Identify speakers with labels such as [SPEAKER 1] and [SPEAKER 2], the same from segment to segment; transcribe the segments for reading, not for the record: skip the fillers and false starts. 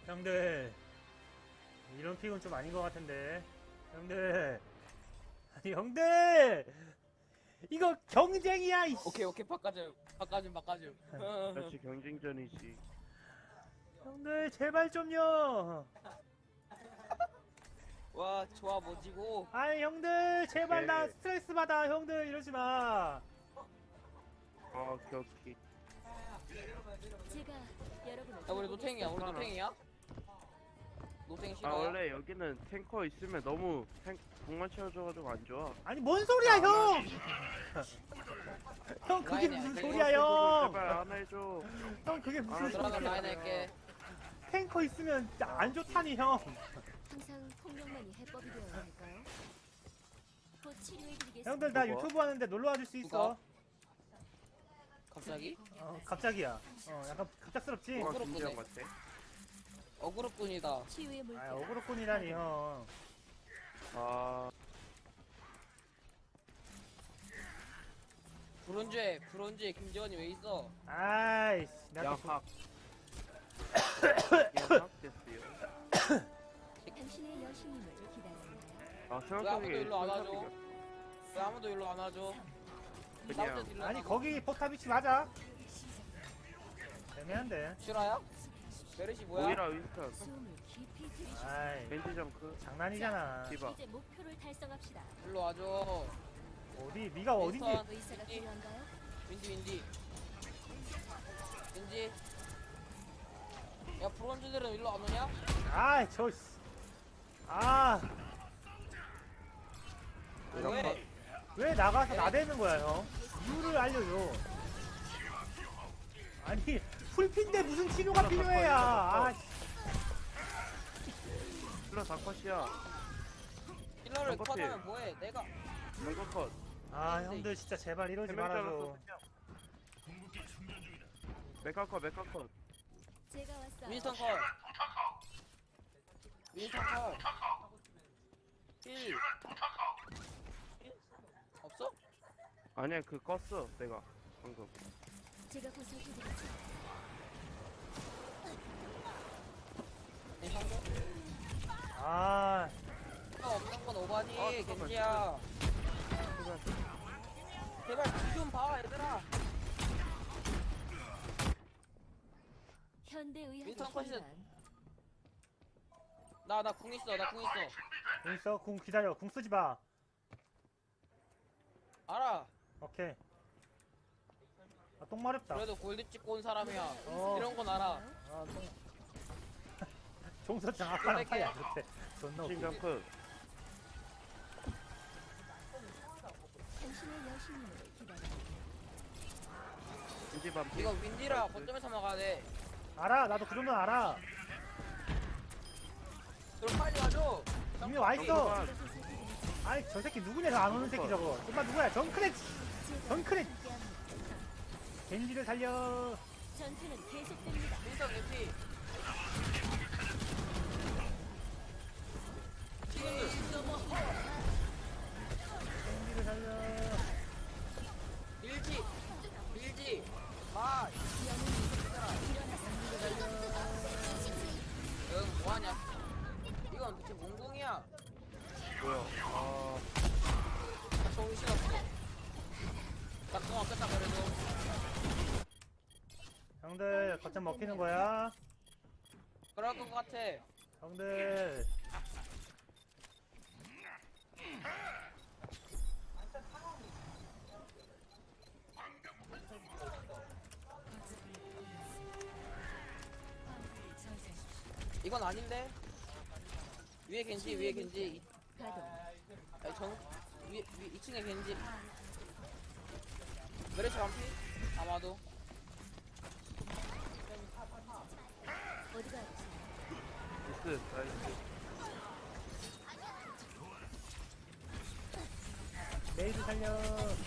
[SPEAKER 1] 형들 이런 픽은 좀 아닌 것 같은데. 형들 아니 형들 이거 경쟁이야 이씨.
[SPEAKER 2] 오케이 바꿔줌.
[SPEAKER 3] 그렇지 경쟁전이지.
[SPEAKER 1] 형들 제발 좀요.
[SPEAKER 2] 와 좋아 뭐지고.
[SPEAKER 1] 아니 형들 제발 나
[SPEAKER 3] 오케이.
[SPEAKER 1] 스트레스 받아. 형들 이러지 마.
[SPEAKER 3] 오케이 오케이.
[SPEAKER 4] 제가 여러분을
[SPEAKER 2] 야 우리 노탱이야 노탱 싫어.
[SPEAKER 3] 아 원래 여기는 탱커 있으면 너무 공만 채워줘가지고 안 좋아.
[SPEAKER 1] 아니 뭔 소리야 형. 형 그게
[SPEAKER 2] 라인이야,
[SPEAKER 1] 무슨
[SPEAKER 2] 이거.
[SPEAKER 1] 소리야 형.
[SPEAKER 3] 제발 안 해줘.
[SPEAKER 1] 형 그게 무슨
[SPEAKER 2] 들어가
[SPEAKER 1] 소리야.
[SPEAKER 2] 라인 할게.
[SPEAKER 1] 탱커 있으면 안 좋다니 형.
[SPEAKER 4] 항상 폭력만이 해법이 되어야 할까요? 곧 치료해드리겠습니다.
[SPEAKER 1] 형들 나
[SPEAKER 3] 누가?
[SPEAKER 1] 유튜브 하는데 놀러 와줄 수 있어.
[SPEAKER 2] 갑자기?
[SPEAKER 1] 갑자기야. 약간 갑작스럽지?
[SPEAKER 3] 누가
[SPEAKER 2] 그렇구나.
[SPEAKER 3] 김지영 같아?
[SPEAKER 2] 어그로꾼이다.
[SPEAKER 4] 치유의 물결.
[SPEAKER 1] 아 어그로꾼이라니 형.
[SPEAKER 3] 아
[SPEAKER 2] 브론즈에 김재원이 왜 있어?
[SPEAKER 1] 아이씨 내가 또
[SPEAKER 3] 양학. 양학 됐어요.
[SPEAKER 4] 당신의 여신님을 기다립니다.
[SPEAKER 3] 아
[SPEAKER 2] 왜 아무도
[SPEAKER 3] 생각하기에
[SPEAKER 2] 일로 안 와줘? 왜 아무도 일로 안 와줘?
[SPEAKER 3] 그냥
[SPEAKER 2] 싸울 때 딜러
[SPEAKER 1] 아니
[SPEAKER 2] 나가.
[SPEAKER 1] 거기 포탑 위치 맞아? 애매한데.
[SPEAKER 2] 실화야? 메르시 뭐야?
[SPEAKER 3] 모이라 윈스턴
[SPEAKER 4] 숨을 깊이 들이쉬.
[SPEAKER 1] 아이
[SPEAKER 3] 벤지 정크
[SPEAKER 1] 장난이잖아.
[SPEAKER 3] 디바.
[SPEAKER 4] 이제 목표를 달성합시다.
[SPEAKER 2] 일로 와줘.
[SPEAKER 1] 어디 네가 어딘지.
[SPEAKER 2] 윈스턴.
[SPEAKER 4] 의사가 필요한가요?
[SPEAKER 2] 윈디. 야 브론즈들은 일로 안 오냐?
[SPEAKER 1] 아이 저. 아
[SPEAKER 2] 왜?
[SPEAKER 1] 왜 나가서 나대는 거야 형? 이유를 알려줘. 아니 풀핀데 무슨 치료가 필요해야. 아 씨.
[SPEAKER 3] 힐러 다 컷이야.
[SPEAKER 2] 힐러를
[SPEAKER 3] 똑같아.
[SPEAKER 2] 컷하면 뭐해? 내가
[SPEAKER 3] 이거 컷.
[SPEAKER 1] 아 형들 진짜 제발 이러지
[SPEAKER 3] 세명
[SPEAKER 1] 말아줘.
[SPEAKER 3] 잘랐어. 메카 컷.
[SPEAKER 4] 제가 왔어요.
[SPEAKER 2] 윈스턴 컷. 힐. 없어?
[SPEAKER 3] 아니야 그 껐어 내가 방금.
[SPEAKER 4] 제가 보살펴드리죠.
[SPEAKER 2] 윈스턴
[SPEAKER 1] 아
[SPEAKER 2] 없는 건 오바니
[SPEAKER 3] 아, 잠깐만,
[SPEAKER 2] 겐지야. 제발 좀 봐 얘들아.
[SPEAKER 4] 현대의학의
[SPEAKER 2] 윈스턴 컷이-
[SPEAKER 4] 혼란.
[SPEAKER 2] 나 궁 있어.
[SPEAKER 1] 궁 있어? 궁 기다려. 궁 쓰지 마.
[SPEAKER 2] 알아.
[SPEAKER 1] 오케이. 똥 마렵다.
[SPEAKER 2] 그래도 골드 찍고 온 사람이야.
[SPEAKER 1] 어.
[SPEAKER 2] 이런 건 알아.
[SPEAKER 1] 아, 똥. 종서 장악하는
[SPEAKER 2] 이렇게.
[SPEAKER 1] 말이야 그렇대. 존나
[SPEAKER 3] 신
[SPEAKER 1] 웃겨.
[SPEAKER 3] 정크.
[SPEAKER 4] 당신의 여신님을 기다립니다.
[SPEAKER 3] 벤지 반피.
[SPEAKER 2] 이거 윈디라 거점에서 막아야 돼.
[SPEAKER 1] 알아. 나도 그 정도는 알아.
[SPEAKER 2] 그럼 빨리 와줘.
[SPEAKER 1] 이미 와 있어.
[SPEAKER 3] 아,
[SPEAKER 1] 아이 저 새끼 누구냐? 안 오는 새끼 저거. 엄마 누구야? 정크렛. 정크렛. 겐지를 살려.
[SPEAKER 4] 전투는 계속됩니다.
[SPEAKER 2] 윈스턴 윈디.
[SPEAKER 1] 겐지를 살려.
[SPEAKER 2] 밀지. 마. 응 뭐하냐? 이건 대체 뭔 공이야?
[SPEAKER 3] 뭐야? 아
[SPEAKER 2] 정신없어. 나공 없겠다 그래도.
[SPEAKER 1] 형들 거점 먹히는 거야.
[SPEAKER 2] 그럴 것 같아.
[SPEAKER 1] 형들.
[SPEAKER 2] 이건 아닌데? 위에 겐지.
[SPEAKER 4] 가동.
[SPEAKER 2] 아니 위 2층에 겐지. 메르시 반피? 아마도.
[SPEAKER 4] 어디가 아프세요?
[SPEAKER 3] 미스 나이스.
[SPEAKER 1] 메이드 살려.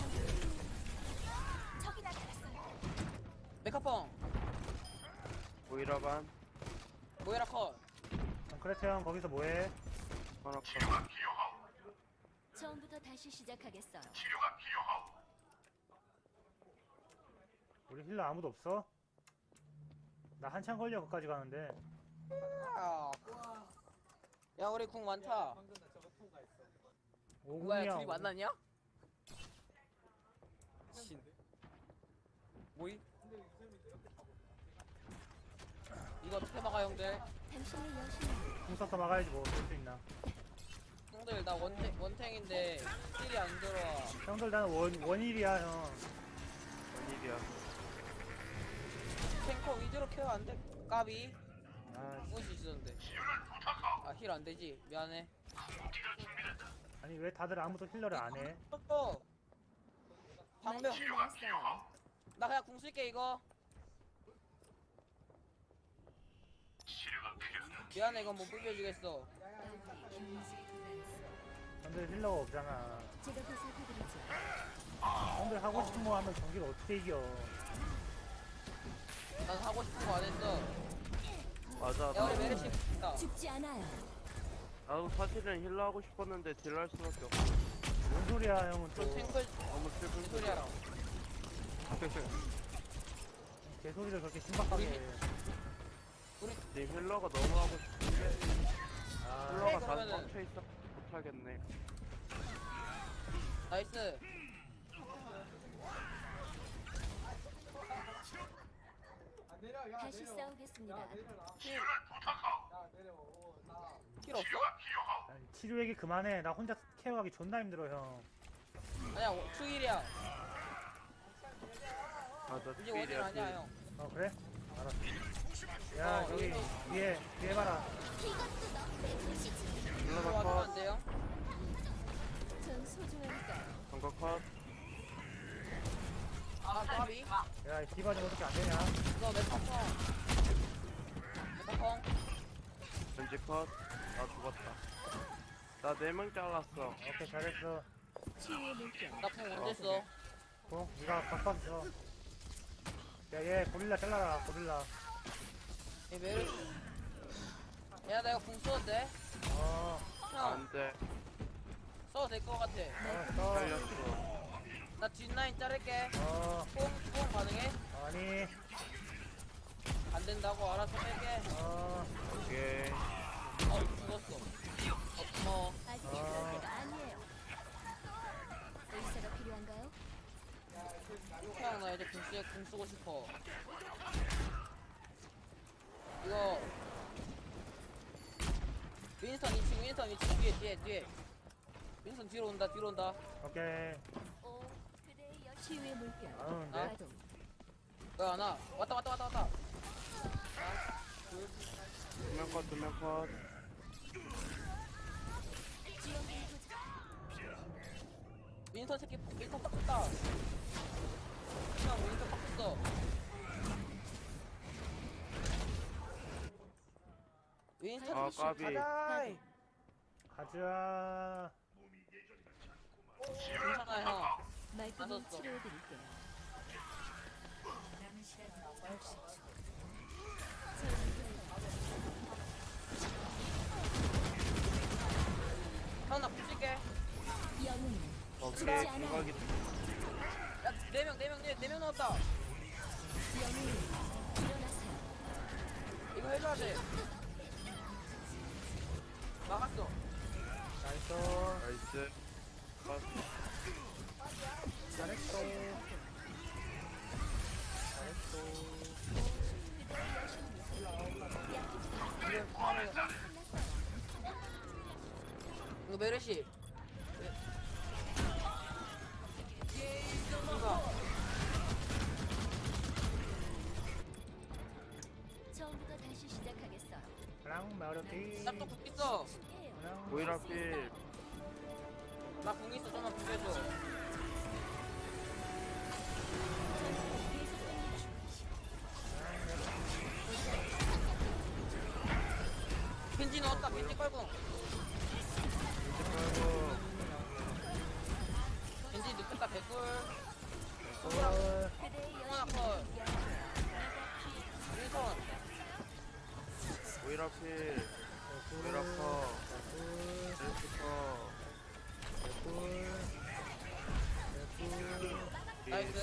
[SPEAKER 2] 메카펑.
[SPEAKER 3] 모이라 반.
[SPEAKER 2] 모이라 컷.
[SPEAKER 1] 정크렛 형 거기서 뭐해?
[SPEAKER 3] 하나 컷.
[SPEAKER 4] 처음부터 다시 시작하겠어요.
[SPEAKER 1] 우리 힐러 아무도 없어? 나 한참 걸려 거기까지 가는데.
[SPEAKER 2] 야 우리 궁 많다. 뭐야
[SPEAKER 1] 오공이야.
[SPEAKER 2] 둘이 만났냐? 진. 뭐이? 이거 어떻게 막아 형들?
[SPEAKER 4] 당신의 여신은
[SPEAKER 1] 궁 써서 막아야지 뭐. 볼 수 있나.
[SPEAKER 2] 형들 나 원탱인데 힐이 안 들어와.
[SPEAKER 1] 형들 나는 원일이야 형.
[SPEAKER 3] 원일이야.
[SPEAKER 2] 탱커 위주로 케어 안 돼? 까비?
[SPEAKER 1] 아,
[SPEAKER 2] 죽을 수 있었는데. 아 힐 안 되지? 미안해.
[SPEAKER 1] 아니 왜 다들 아무도 힐러를 안 해?
[SPEAKER 2] 방벽.
[SPEAKER 4] 말씀이 나왔어요.
[SPEAKER 2] 나 그냥 궁 쓸게 이거. 미안해 이건 못 불려주겠어.
[SPEAKER 1] 형들 힐러가 없잖아.
[SPEAKER 4] 제가 보살펴드리죠.
[SPEAKER 1] 형들 하고 싶은 거 하면 경기를 어떻게 이겨?
[SPEAKER 2] 난 하고 싶은 거 안 했어.
[SPEAKER 3] 맞아.
[SPEAKER 2] 야 우리 메르시 있다.
[SPEAKER 4] 죽지 않아요.
[SPEAKER 3] 나도 사실은 힐러 하고 싶었는데 딜러 할 수밖에 없어.
[SPEAKER 1] 뭔 소리야 형은 또.
[SPEAKER 2] 저 탱글
[SPEAKER 3] 너무 슬픈
[SPEAKER 2] 무슨 소리야?
[SPEAKER 1] 개소리를 그렇게 신박하게 해.
[SPEAKER 3] 네 힐러가 너무 하고 싶은데
[SPEAKER 1] 아,
[SPEAKER 3] 힐러가 다
[SPEAKER 2] 그러면은-
[SPEAKER 3] 꽉차 있어 못하겠네.
[SPEAKER 2] 나이스.
[SPEAKER 4] 다시 싸우겠습니다.
[SPEAKER 2] 힐 없어?
[SPEAKER 1] 아니, 치료 얘기 그만해. 나 혼자 케어하기 존나 힘들어 형.
[SPEAKER 2] 아니야 추일이야.
[SPEAKER 3] 맞아.
[SPEAKER 2] 이제 원일 아니야 형.
[SPEAKER 1] 어 그래? 알았어. 야 저기 뒤에 봐라.
[SPEAKER 3] 힐러가
[SPEAKER 2] 들어와주면
[SPEAKER 3] 컷.
[SPEAKER 2] 안 돼요?
[SPEAKER 4] 전 소중하니까요.
[SPEAKER 3] 정가 컷.
[SPEAKER 2] 아 까비.
[SPEAKER 1] 야 디바 좀 어떻게 안 되냐?
[SPEAKER 2] 이거 메타펑. 메타펑.
[SPEAKER 3] 벤지 컷. 나 죽었다. 나 4명 잘랐어.
[SPEAKER 1] 오케이 잘했어.
[SPEAKER 4] 치유의 물결.
[SPEAKER 2] 나풍 언제 써?
[SPEAKER 1] 네가 바꿨어. 야얘 고릴라 잘라라 고릴라.
[SPEAKER 2] 얘 메르시. 야 나 이거 궁 써도 돼?
[SPEAKER 1] 어
[SPEAKER 2] 형
[SPEAKER 3] 안 돼.
[SPEAKER 2] 써도 될 것 같아.
[SPEAKER 1] 알았어.
[SPEAKER 3] 잘렸어.
[SPEAKER 2] 나 뒷라인 자를게.
[SPEAKER 1] 어
[SPEAKER 2] 뽕 가능해?
[SPEAKER 1] 아니
[SPEAKER 2] 안 된다고 알아서 뺄게.
[SPEAKER 3] 오케이.
[SPEAKER 2] 죽었어. 고마워.
[SPEAKER 4] 아직 그럴 때가 아니에요. 의사가 필요한가요?
[SPEAKER 2] 형 나 이제 궁 쓰고 싶어. 이거 윈스턴 2층 뒤에 윈스턴 뒤로 온다.
[SPEAKER 1] 오케이.
[SPEAKER 4] 오, 그대의 여신. 치유의 물결.
[SPEAKER 1] 안 오는데?
[SPEAKER 4] 가동.
[SPEAKER 2] 왜 안 와? 왔다.
[SPEAKER 3] 2명 컷, 2명 컷.
[SPEAKER 4] 지원군이 도착.
[SPEAKER 2] 윈스턴 새끼 윈스턴 빡쳤다. 형 윈스턴 빡쳤어. 윈스턴
[SPEAKER 3] 아, 까비.
[SPEAKER 2] 가자.
[SPEAKER 1] 가자.
[SPEAKER 2] 괜찮아 형.
[SPEAKER 4] 말끔히
[SPEAKER 2] 맞았어.
[SPEAKER 4] 치료해드릴게요.
[SPEAKER 2] 형나 붙일게.
[SPEAKER 4] 영웅은
[SPEAKER 3] 오케이.
[SPEAKER 4] 죽지 않아요.
[SPEAKER 3] 공각이
[SPEAKER 2] 야 4명 넣었다.
[SPEAKER 4] 영웅은 일어나세요.
[SPEAKER 2] 이거 해줘야 돼. 막았어.
[SPEAKER 1] 나이스.
[SPEAKER 3] 나이스. 컷.
[SPEAKER 1] 잘했어.
[SPEAKER 2] 이거 메르시. 이거
[SPEAKER 4] 처음부터 다시 시작하겠어요.
[SPEAKER 1] 그랑 마르티.
[SPEAKER 2] 짝도 궁 있어.
[SPEAKER 4] 쉽게요.
[SPEAKER 1] 그랑
[SPEAKER 3] 모이라 필.
[SPEAKER 2] 나 궁 있어. 좀만 궁해줘. 겐지 넣었다. 겐지 깔고.
[SPEAKER 3] 아이고.
[SPEAKER 2] 겐지 눕혔다. 개꿀.
[SPEAKER 1] 어,
[SPEAKER 4] 그대의
[SPEAKER 2] 하나
[SPEAKER 4] 여신.
[SPEAKER 2] 컷. 윈선.
[SPEAKER 3] 모이라 필. 모이라 컷. 벤지 컷.
[SPEAKER 2] 나이스.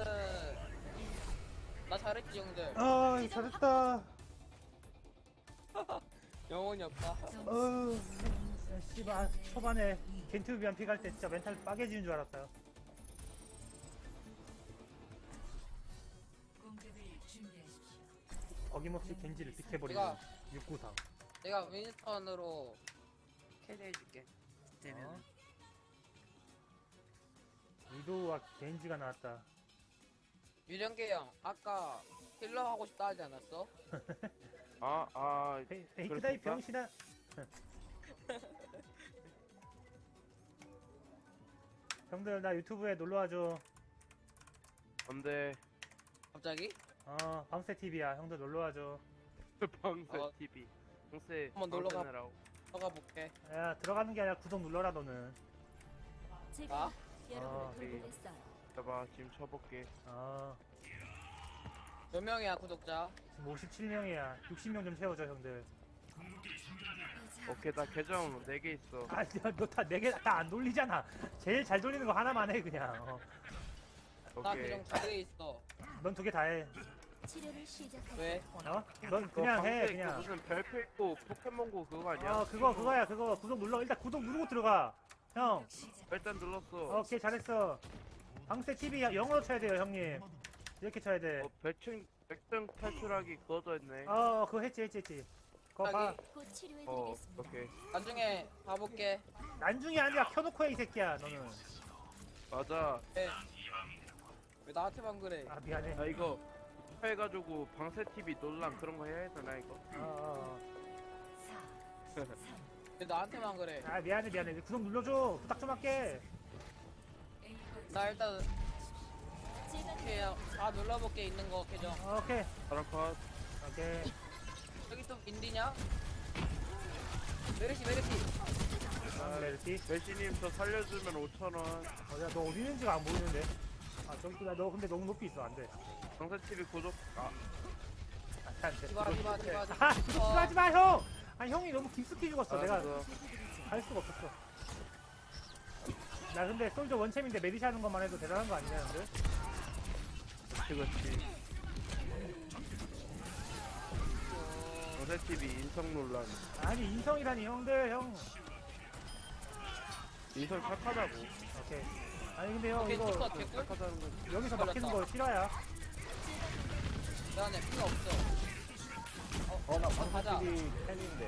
[SPEAKER 2] 나 잘했지 형들.
[SPEAKER 1] 아 잘했다.
[SPEAKER 2] 영혼이 없다.
[SPEAKER 1] 씨발 초반에 겐트비안 픽할 때 진짜 멘탈 빠개지는 줄 알았어요. 어김없이 겐지를 픽해버리는
[SPEAKER 2] 내가-
[SPEAKER 1] 693.
[SPEAKER 2] 내가 윈스턴으로 캐리해줄게. 되면.
[SPEAKER 1] 위도우와 겐지가 나왔다.
[SPEAKER 2] 유령계 형, 아까 힐러 하고 싶다 하지 않았어?
[SPEAKER 1] 페이크다이 병신아. 형들 나 유튜브에 놀러와줘.
[SPEAKER 3] 안돼.
[SPEAKER 2] 갑자기?
[SPEAKER 1] 방세 TV야. 형들 놀러와줘.
[SPEAKER 3] 방세
[SPEAKER 2] 어.
[SPEAKER 3] TV. 방세.
[SPEAKER 2] 한번 놀러 가.
[SPEAKER 3] 방세느라고.
[SPEAKER 2] 들어가 볼게.
[SPEAKER 1] 야 들어가는 게 아니라 구독 눌러라 너는.
[SPEAKER 4] 제가
[SPEAKER 2] 아?
[SPEAKER 4] 여러분을
[SPEAKER 3] 네.
[SPEAKER 4] 돌보겠어요.
[SPEAKER 3] 봐봐 지금 쳐볼게.
[SPEAKER 2] 몇 명이야 구독자?
[SPEAKER 1] 지금 57명이야. 60명 좀 채워줘 형들.
[SPEAKER 3] 오케이 나 계정 4개 있어.
[SPEAKER 1] 너다 4개 다 안 돌리잖아. 제일 잘 돌리는 거 하나만 해 그냥.
[SPEAKER 2] 나
[SPEAKER 3] 오케이.
[SPEAKER 2] 계정 2개 있어.
[SPEAKER 1] 넌 2개 다 해.
[SPEAKER 4] 치료를 시작할
[SPEAKER 2] 왜?
[SPEAKER 1] 넌
[SPEAKER 3] 그거
[SPEAKER 1] 그냥 해
[SPEAKER 3] 방세 그
[SPEAKER 1] 그냥.
[SPEAKER 3] 무슨 별표 있고 포켓몬고 그거 아니야?
[SPEAKER 1] 그거야 그거. 구독 눌러. 일단 구독 누르고 들어가. 형.
[SPEAKER 3] 일단 눌렀어.
[SPEAKER 1] 오케이 잘했어. 방세 TV 영어로 쳐야 돼요 형님. 이렇게 쳐야 돼.
[SPEAKER 3] 백등 탈출하기 그거도 했네.
[SPEAKER 1] 그거 했지. 그거 봐.
[SPEAKER 2] 여기
[SPEAKER 4] 곧 치료해드리겠습니다.
[SPEAKER 3] 오케이.
[SPEAKER 2] 나중에 봐볼게.
[SPEAKER 1] 난중이 아니라 켜놓고 해 이 새끼야 너는.
[SPEAKER 3] 맞아.
[SPEAKER 2] 왜 나한테만 그래?
[SPEAKER 1] 미안해.
[SPEAKER 3] 아 이거 해가지고 방세 TV 논란 그런 거 해야 되나 이거?
[SPEAKER 2] 왜 나한테만 그래?
[SPEAKER 1] 미안해. 구독 눌러줘. 부탁 좀 할게.
[SPEAKER 2] 나 일단
[SPEAKER 4] 제가
[SPEAKER 2] 그냥 다 눌러볼게 있는 거 계정.
[SPEAKER 1] 오케이.
[SPEAKER 3] 사람 컷.
[SPEAKER 1] 오케이.
[SPEAKER 2] 여기 또 인디냐? 메르시.
[SPEAKER 1] 메르시.
[SPEAKER 3] 메시님 저 살려주면 5,000원.
[SPEAKER 1] 너 어디 있는지가 안 보이는데. 저기 있구나. 너 근데 너무 높이 있어. 안 돼.
[SPEAKER 3] 방세 TV 구독.
[SPEAKER 1] 안 돼.
[SPEAKER 2] 디바.
[SPEAKER 1] 하지 마, 형! 형이 너무 깊숙이 죽었어. 내가
[SPEAKER 3] 알았어.
[SPEAKER 1] 갈 수가 없었어. 나 근데 솔저 원챔인데 메디시 하는 것만 해도 대단한 거 아니냐, 형들?
[SPEAKER 3] 그렇지. 방세 TV 인성 논란.
[SPEAKER 1] 아니, 인성이라니, 형들, 형.
[SPEAKER 3] 인성 착하다고.
[SPEAKER 1] 오케이. 아니, 근데 형,
[SPEAKER 2] 오케이,
[SPEAKER 1] 이거
[SPEAKER 2] 컷 개꿀.
[SPEAKER 3] 착하다는 건
[SPEAKER 1] 여기서 막히는 거 싫어야.
[SPEAKER 2] 내가 피가 없어.
[SPEAKER 5] 나
[SPEAKER 2] 가자.
[SPEAKER 5] 방송TV 팬인데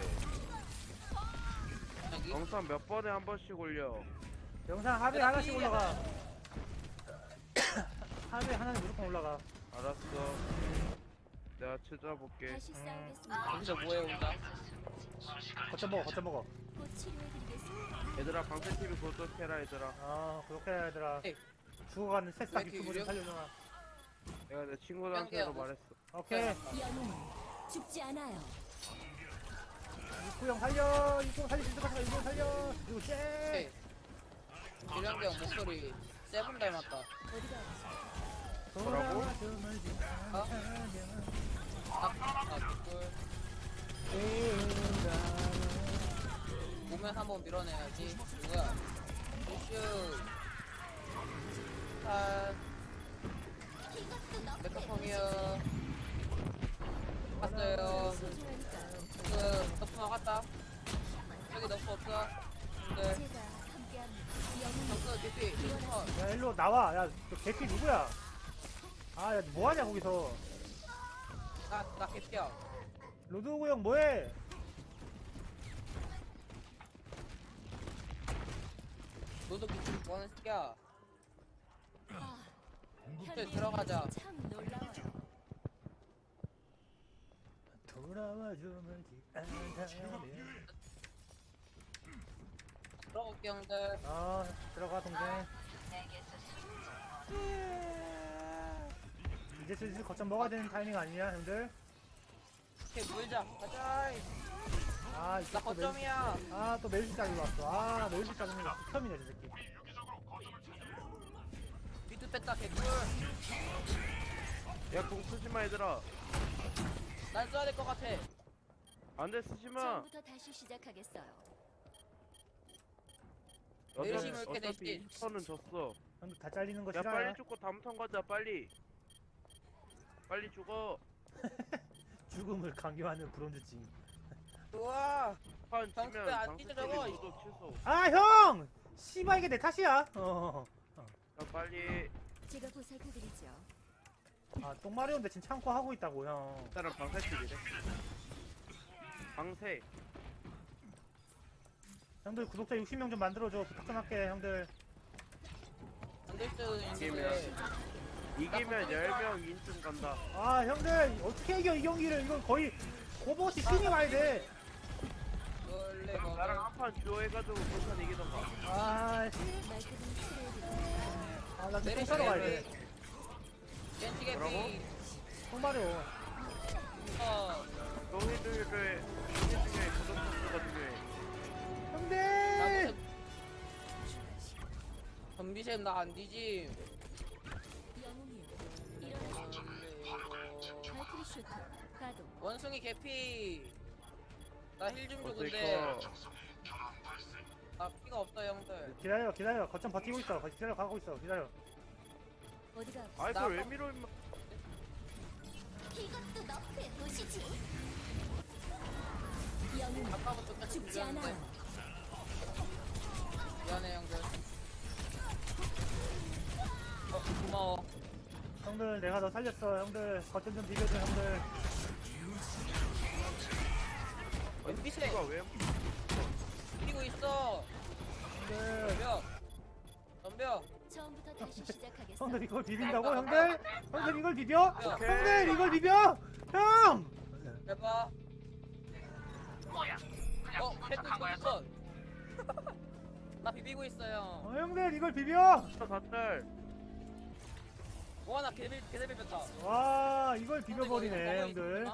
[SPEAKER 2] 여기.
[SPEAKER 3] 영상 몇 번에 한 번씩 올려.
[SPEAKER 1] 영상 하루에
[SPEAKER 2] 내가
[SPEAKER 1] 하나씩
[SPEAKER 2] 삐이야.
[SPEAKER 1] 올라가. 하루에 하나는 무조건 올라가.
[SPEAKER 3] 알았어. 내가 찾아볼게.
[SPEAKER 4] 다시 싸우겠습니다.
[SPEAKER 2] 여기서 뭐해 혼자?
[SPEAKER 1] 거쳐 먹어.
[SPEAKER 4] 곧 치료해드리겠습니다.
[SPEAKER 3] 얘들아 방세 TV 구독해라 얘들아.
[SPEAKER 1] 그렇게 해야 되더라.
[SPEAKER 2] 에이.
[SPEAKER 1] 죽어가는 새싹
[SPEAKER 2] 왜 이렇게
[SPEAKER 1] 유튜브 좀
[SPEAKER 2] 유령?
[SPEAKER 1] 살려줘라.
[SPEAKER 3] 내가 내 친구들한테도
[SPEAKER 2] 뿅뿅.
[SPEAKER 3] 말했어.
[SPEAKER 1] 오케이.
[SPEAKER 4] 영웅은 죽지 않아요.
[SPEAKER 1] 육구 형 살려. 육구 형 살릴 수 있을 것 같아. 육구 형 살려. 그리고 쟤.
[SPEAKER 2] 오케이. 유령경 목소리 세븐 닮았다.
[SPEAKER 4] 어디가
[SPEAKER 3] 뭐라고?
[SPEAKER 2] 개꿀. 오면 한번 밀어내야지. 누구야? 이슈. 메카펑이요. 갔어요. 너프 나갔다. 여기 너프 없어. 네.
[SPEAKER 4] 제가 함께합니다. 영웅은
[SPEAKER 2] 없어, DP.
[SPEAKER 1] 야 일로 나와. 야, 너 개피 누구야? 야, 뭐하냐 거기서?
[SPEAKER 2] 나 개피야.
[SPEAKER 1] 로드오그 형 뭐해?
[SPEAKER 2] 너도 개피 뭐하는 새끼야.
[SPEAKER 4] 현대
[SPEAKER 2] 들어가자.
[SPEAKER 4] 참 놀라워요.
[SPEAKER 1] 돌아와주면 않다면.
[SPEAKER 2] 들어올게, 형들.
[SPEAKER 1] 들어가 동생. 이제 슬슬 거점 먹어야 되는 타이밍 아니냐 형들?
[SPEAKER 2] 오케이, 물자. 가자. 나
[SPEAKER 1] 이쪽 또
[SPEAKER 2] 거점이야.
[SPEAKER 1] 또 멜시까지 왔어. 멜시 짜증내. 극혐이네 저 새끼.
[SPEAKER 2] 비트 뺐다, 개꿀.
[SPEAKER 3] 야공 쓰지마 얘들아.
[SPEAKER 2] 난 써야 될 것 같아.
[SPEAKER 3] 안돼 쓰지마.
[SPEAKER 4] 처음부터 다시 시작하겠어요.
[SPEAKER 2] 내리심을 이렇게
[SPEAKER 3] 어차피
[SPEAKER 2] 대신.
[SPEAKER 3] 20턴은 졌어.
[SPEAKER 1] 형들 다 잘리는 거
[SPEAKER 3] 야
[SPEAKER 1] 싫어요?
[SPEAKER 3] 빨리 죽고 다음 턴 가자 빨리. 빨리 죽어.
[SPEAKER 1] 죽음을 강요하는 브론즈 찡.
[SPEAKER 2] 우와.
[SPEAKER 3] 판
[SPEAKER 2] 정수
[SPEAKER 3] 치면
[SPEAKER 2] 왜안
[SPEAKER 3] 장수
[SPEAKER 2] 뛰죠,
[SPEAKER 3] TV
[SPEAKER 2] 저거?
[SPEAKER 3] 구독 취소.
[SPEAKER 1] 아 형! 씨발 이게 내 탓이야.
[SPEAKER 3] 자 빨리
[SPEAKER 4] 제가 보살펴드리죠.
[SPEAKER 1] 아 똥마려운데 지금 참고 하고 있다고 형.
[SPEAKER 3] 일단은 방세 TV래. 방세.
[SPEAKER 1] 형들 구독자 60명 좀 만들어줘. 부탁 좀 할게 형들.
[SPEAKER 2] 안될 수도 있는데.
[SPEAKER 3] 이기면 10명 인증 간다.
[SPEAKER 1] 아 형들 어떻게 이겨 이 경기를. 이건 거의 오버워치 신이 와야 돼.
[SPEAKER 2] 원래
[SPEAKER 3] 나랑 한 판 듀오 해가지고 못한 이기던가.
[SPEAKER 1] 아,
[SPEAKER 4] 말끔히 치료해드리죠.
[SPEAKER 1] 나 지금 똥 싸러 가야 돼.
[SPEAKER 2] 겐지 개피.
[SPEAKER 3] 뭐라고?
[SPEAKER 1] 똥마려.
[SPEAKER 3] 너희들의 인기 중에 구독 수가 중요해.
[SPEAKER 1] 형들!
[SPEAKER 2] 전비샘 나 안 뒤짐.
[SPEAKER 4] 영웅이요. 일어나세요. 발키리 슈트. 가동.
[SPEAKER 2] 원숭이 개피. 나 힐 좀 줘
[SPEAKER 3] 어쩔
[SPEAKER 2] 근데.
[SPEAKER 3] 거.
[SPEAKER 2] 나 피가 없어 형들.
[SPEAKER 1] 기다려. 거점 버티고 있어. 기다려 가고 있어. 기다려.
[SPEAKER 4] 어디가 아프세요?
[SPEAKER 3] 아이 그걸 왜 밀어 임마.
[SPEAKER 4] 이것도 너프에 보시지. 영웅
[SPEAKER 2] 아까부터 끝까지
[SPEAKER 4] 죽지 않아요.
[SPEAKER 2] 밀었는데. 미안해 형들. 고마워.
[SPEAKER 1] 형들 내가 너 살렸어. 형들 거점 좀 비벼줘 형들.
[SPEAKER 2] 원비샘
[SPEAKER 3] 누가 왜
[SPEAKER 2] 뛰고 있어.
[SPEAKER 1] 형들.
[SPEAKER 2] 덤벼. 덤벼.
[SPEAKER 4] 처음부터 다시 시작하겠어.
[SPEAKER 1] 형들 이걸 비빈다고 형들? 형들 이걸 비벼?
[SPEAKER 2] 오케이.
[SPEAKER 1] 형들 이걸 비벼? 형!
[SPEAKER 2] 해봐. 패트 있어. 나 비비고 있어요.
[SPEAKER 1] 형들 이걸 비벼?
[SPEAKER 3] 다들
[SPEAKER 2] 와, 나 개들 비볐다.
[SPEAKER 1] 와 이걸 비벼버리네 형들.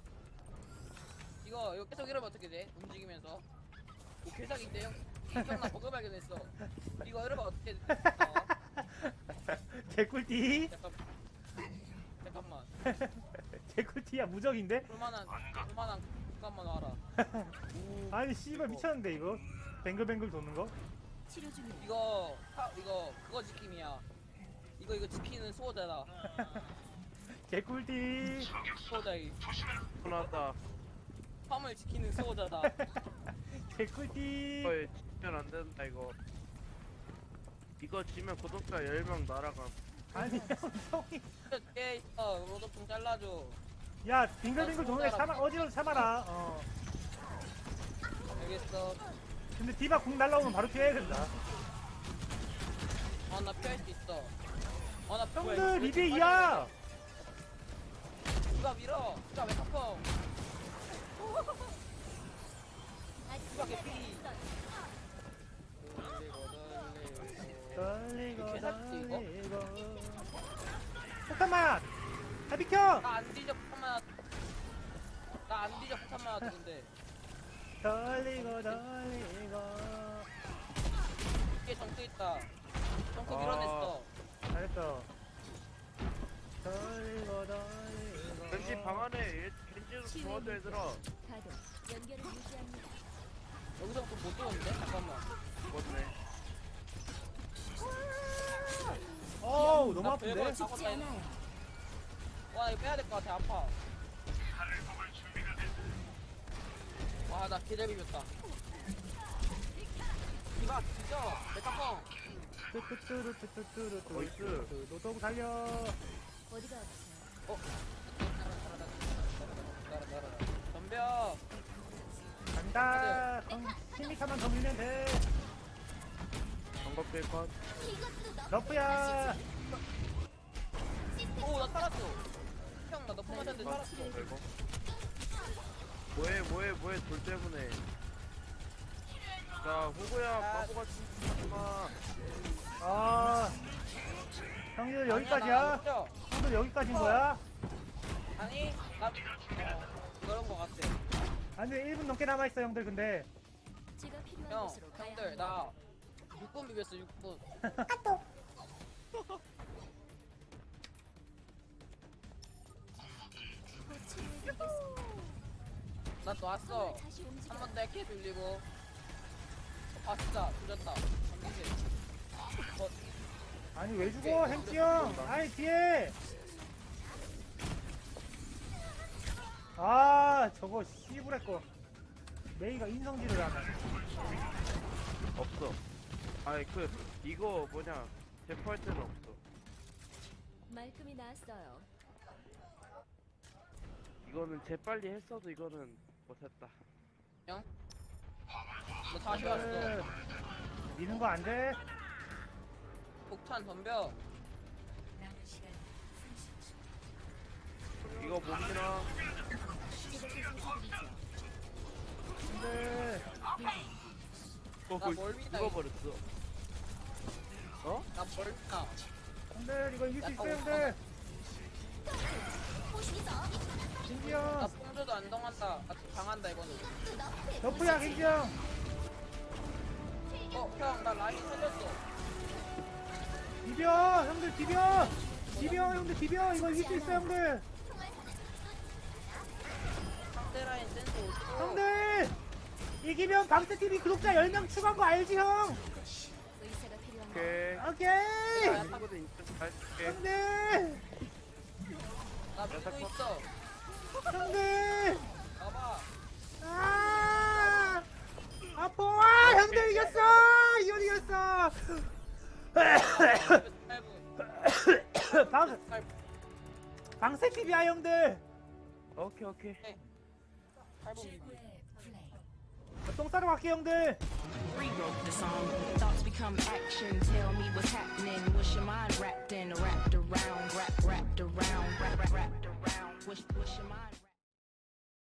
[SPEAKER 2] 이거 계속 이러면 어떻게 돼? 움직이면서. 오, 개사기인데 형. 형나 버그 발견했어. 이거 이러면 어떻게 돼?
[SPEAKER 1] 개꿀띠.
[SPEAKER 2] 잠깐만.
[SPEAKER 1] 개꿀띠야 무적인데?
[SPEAKER 2] 볼만한 잠깐만 와라.
[SPEAKER 1] 아니 씨발 미쳤는데 이거. 뱅글뱅글 도는 거?
[SPEAKER 4] 치료 중이에요.
[SPEAKER 2] 이거 그거 지킴이야. 이거 지키는 수호자다.
[SPEAKER 1] 개꿀띠.
[SPEAKER 2] 수호자이.
[SPEAKER 3] 나왔다.
[SPEAKER 2] 화물 지키는 수호자다.
[SPEAKER 1] 개꿀띠.
[SPEAKER 3] 이거 지면 안 된다 이거. 이거 지면 구독자 10명 날아감.
[SPEAKER 1] 아니 형이.
[SPEAKER 2] 뒤에 있어. 로드 좀 잘라줘.
[SPEAKER 1] 야 빙글빙글 도는 애 참아. 어지러워 참아라.
[SPEAKER 2] 알겠어.
[SPEAKER 1] 근데 디바 궁 날라오면 바로 피해야 된다.
[SPEAKER 2] 나 피할 수 있어. 나
[SPEAKER 1] 형들 리베 2야.
[SPEAKER 2] 누가 밀어? 누가 왜 탑어?
[SPEAKER 4] 아직
[SPEAKER 2] 누가 개피?
[SPEAKER 1] 떨리고
[SPEAKER 2] 개사기지, 이거?
[SPEAKER 1] 떨리고. 폭탄만. 다 비켜.
[SPEAKER 2] 나안 뒤져 폭탄만. 나안 뒤져 폭탄만 하던데.
[SPEAKER 1] 떨리고 떨리고.
[SPEAKER 2] 이게 정크 있다. 정크
[SPEAKER 3] 아.
[SPEAKER 2] 밀어냈어.
[SPEAKER 1] 잘했어. 떨리고 떨리고.
[SPEAKER 3] 왠지 방 안에 겐지도 도와줘 얘들아.
[SPEAKER 4] 가동. 연결을 유지합니다.
[SPEAKER 2] 여기서부터 못 들어오는데? 잠깐만.
[SPEAKER 3] 죽었네.
[SPEAKER 1] 어우 너무
[SPEAKER 2] 나
[SPEAKER 1] 아픈데?
[SPEAKER 2] 별걸
[SPEAKER 4] 죽지 않아요.
[SPEAKER 2] 와 이거 빼야 될 것 같아. 아파. 와 나 기대 비볐다. 이봐 진짜 메타펑.
[SPEAKER 1] 뚜뚜뚜루뚜뚜뚜루뚜.
[SPEAKER 3] 나이스.
[SPEAKER 1] 노동 살려.
[SPEAKER 4] 어디가 아프세요?
[SPEAKER 2] 덤벼.
[SPEAKER 1] 간다. 힘이카만 더 밀면 돼.
[SPEAKER 3] 정갑될 것.
[SPEAKER 1] 러프야.
[SPEAKER 2] 오나 살았어. 형 나 너프 맞았는데 살았어.
[SPEAKER 3] 이거. 뭐해 돌 때문에. 자 호구야 바보같이 하지마.
[SPEAKER 1] 아. 형들 여기까지야? 형들 여기까지인 거야?
[SPEAKER 2] 아니 나 그런 거 같아.
[SPEAKER 1] 아니 1분 넘게 남아있어 형들 근데.
[SPEAKER 4] 제가 필요한
[SPEAKER 2] 형
[SPEAKER 4] 곳으로 가야
[SPEAKER 2] 형들
[SPEAKER 4] 합니다.
[SPEAKER 2] 나 6분 비볐어 6분.
[SPEAKER 4] 곧 치료해드리겠습니다.
[SPEAKER 2] 나 또 왔어.
[SPEAKER 4] 다시
[SPEAKER 2] 한
[SPEAKER 4] 움직여.
[SPEAKER 2] 번 더 이렇게 돌리고. 진짜 조졌다. 잠기지.
[SPEAKER 1] 아니 왜 죽어 햄찌 형. 아니 뒤에. 아 저거 씨부레 거. 메이가 인성질을 하네.
[SPEAKER 3] 없어. 아니 이거 뭐냐 대포할 때는 없어.
[SPEAKER 4] 말끔히 나았어요.
[SPEAKER 3] 이거는 재빨리 했어도 이거는 못했다.
[SPEAKER 2] 너 다시 왔어.
[SPEAKER 1] 미는 거 안 돼?
[SPEAKER 2] 폭탄 덤벼.
[SPEAKER 3] 이거 못 밀어.
[SPEAKER 1] 근데
[SPEAKER 2] 나뭘 믿나,
[SPEAKER 3] 죽어버렸어. 어?
[SPEAKER 2] 나뭘 믿나.
[SPEAKER 1] 형들 이거 이길 수 있어요 형들. 겐지
[SPEAKER 2] 나
[SPEAKER 1] 형.
[SPEAKER 2] 뽕조도 안 당한다. 당한다 이거는.
[SPEAKER 1] 너프야 겐지 형.
[SPEAKER 2] 형, 나 라인 살렸어.
[SPEAKER 1] 비벼 형들 비벼. 비벼 형들 비벼. 이거 이길 수 있어 형들.
[SPEAKER 2] 상대 라인 센스 어딨어?
[SPEAKER 1] 형들 이기면 방스TV 구독자 10명 추가한 거 알지 형?
[SPEAKER 4] 의사가 필요합니다.
[SPEAKER 3] 오케이.
[SPEAKER 1] 오케이
[SPEAKER 3] 친구들 인증 잘 줄게.
[SPEAKER 1] 형들
[SPEAKER 2] 나 믿고 있어.
[SPEAKER 1] 형들
[SPEAKER 2] 봐봐.
[SPEAKER 1] 아 아파 형들 이겼어 이건 이겼어 방스TV야 형들.
[SPEAKER 3] 오케이.
[SPEAKER 2] 8분.
[SPEAKER 1] 똥 싸러 갈게 형들.
[SPEAKER 6] Rewrote the song. Thoughts become action. Tell me what's happening. What's your mind wrapped in? Wrapped around, wrapped around, wrapped around. What's your mind?